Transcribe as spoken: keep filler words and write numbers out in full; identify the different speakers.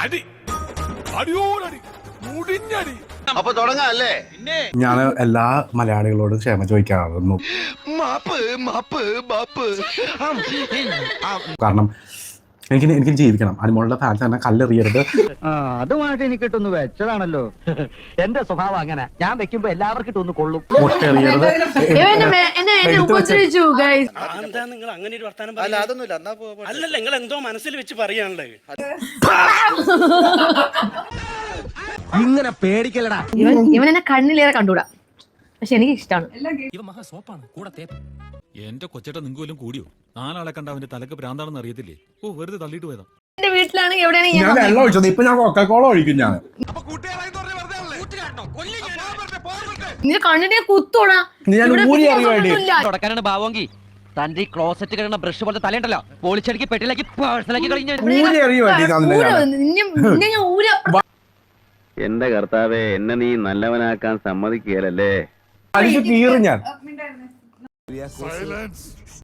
Speaker 1: അടി അടിയോടടി മുടിഞ്ഞടി.
Speaker 2: അപ്പൊ തുടങ്ങാല്ലേ?
Speaker 3: ഞാൻ എല്ലാ മലയാളികളോടും ക്ഷമ ചോദിക്കാറുന്നു.
Speaker 2: മാപ്പ് മാപ്പ് മാപ്പ്.
Speaker 3: കാരണം എനിക്ക് എനിക്ക് ജീവിക്കണം. അനുമോളുടെ ഫാൻസ് തന്നെ കല്ലെറിയരുത്.
Speaker 4: അതുമായിട്ട് എനിക്ക് കിട്ടുന്നു വെച്ചതാണല്ലോ. എന്റെ സ്വഭാവം അങ്ങനെ, ഞാൻ വെക്കുമ്പോ എല്ലാവർക്കും ഇട്ടൊന്ന് കൊള്ളും.
Speaker 3: മുട്ടെറിയരുത്.
Speaker 5: നിങ്ങൾ അങ്ങനെ ഒരു വർത്താനം അല്ലല്ല, നിങ്ങൾ എന്തോ മനസ്സിൽ വെച്ച് പറയാനുള്ളത്.
Speaker 4: ഇങ്ങനെ പേടിക്കലടാ.
Speaker 6: ഇവൻ ഇവൻ എന്നെ കണ്ണിലേറെ കണ്ടുകൂടാ, പക്ഷെ എനിക്ക് ഇഷ്ടമാണ്.
Speaker 1: എന്റെ കൊച്ചേട്ട നിങ്ങൾക്ക് വല്ലതും കൂടിയോ? നാലാളെ കണ്ട അവന്റെ തലക്ക് ഭ്രാന്താണെന്ന് അറിയത്തില്ലേ? ഓ, വെറുതെ തള്ളിയിട്ട് പോയതാ.
Speaker 6: എന്റെ വീട്ടിലാണെങ്കിൽ എവിടെയാണെങ്കിൽ
Speaker 3: ഞാൻ വെള്ളം ഒഴിച്ചത്, ഇപ്പൊ ഞാൻ കൊക്കക്കോള ഒഴിക്കും. ഞാൻ
Speaker 6: നിന്റെ കണ്ണിനെ കുത്തോടാ.
Speaker 4: തുടക്കാനാണ് ഭാവമെങ്കിൽ തന്റെ ഈ ക്ലോസറ്റ് കിടന്ന ബ്രഷ് പോലത്തെ തലയുണ്ടല്ലോ, പോളിച്ചടിക്ക് പെട്ടിലാക്കി പേഴ്സണലാക്കി കഴിഞ്ഞു.
Speaker 2: എന്റെ കർത്താവേ, എന്നെ നീ നല്ലവനാക്കാൻ സമ്മതിക്കുകയല്ലേ?
Speaker 3: കീറും ഞാൻ.